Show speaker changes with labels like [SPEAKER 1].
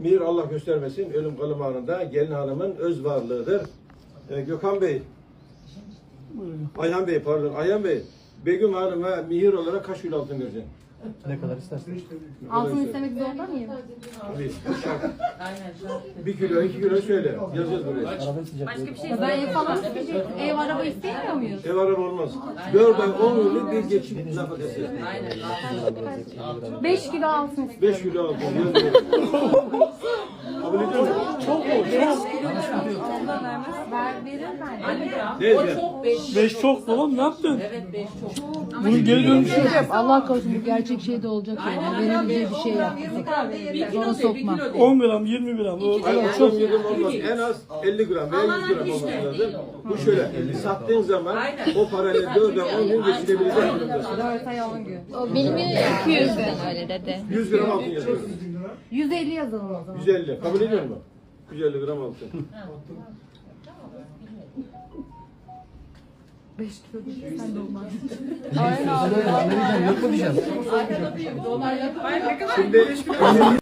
[SPEAKER 1] Mihir Allah göstermesin, ölüm kalım anında gelin hanımın öz varlığıdır. Gökhan Bey, Ayhan Bey pardon, Ayhan Bey, Begüm Hanım'a mihir olarak kaç kilo altın vereceksin?
[SPEAKER 2] Ne kadar istersen.
[SPEAKER 3] Altın istemek zorunda mıyım?
[SPEAKER 1] Tabii, şart. 1 kilo, 2 kilo söyle, yazıyoruz buraya.
[SPEAKER 2] Arabayı sıcak.
[SPEAKER 3] Başka bir şey ben ev falan isteyecek. Ev araba isteyemiyor muyuz?
[SPEAKER 1] Ev araba olmaz. 4 ay 10 yıllık bir geçim nafakası.
[SPEAKER 3] 5 kilo altın istiyorum.
[SPEAKER 1] 5 kilo altın yazıyoruz. Kabul ediyor musun?
[SPEAKER 2] Çok mu?
[SPEAKER 3] Verir bence.
[SPEAKER 1] Neyse.
[SPEAKER 2] 5 çok babam ne yaptın?
[SPEAKER 4] Evet 5 çok.
[SPEAKER 2] Bunun geri dönüşü yok.
[SPEAKER 5] Allah korusun bu gerçek şey de olacak yani. Verebileceği bir şey yaptık.
[SPEAKER 4] Bir kilo
[SPEAKER 5] Onu
[SPEAKER 4] de,
[SPEAKER 5] sokma.
[SPEAKER 2] 10 gram 20 gram. O
[SPEAKER 1] Hayır,
[SPEAKER 2] çok.
[SPEAKER 1] çok yedim olmaz. En az 50 gram veya 100 gram olması lazım. Bu şöyle, sattığın zaman o parayla 4 ay 10 gün geçirebilecek durumdasın.
[SPEAKER 3] 4 ay 10 gün.
[SPEAKER 6] Benim 200'den öyle dedi.
[SPEAKER 1] 100 gram altın yazıyoruz.
[SPEAKER 3] 150 yazalım o zaman.
[SPEAKER 1] 150. Kabul ediyor musun? 150 gram altın.
[SPEAKER 3] 5 kilo değil, sen de olmaz.
[SPEAKER 2] Ne diyeceğim? Yok mu diyeceğim?
[SPEAKER 4] Arkada büyük dolar yapar.
[SPEAKER 1] Şimdi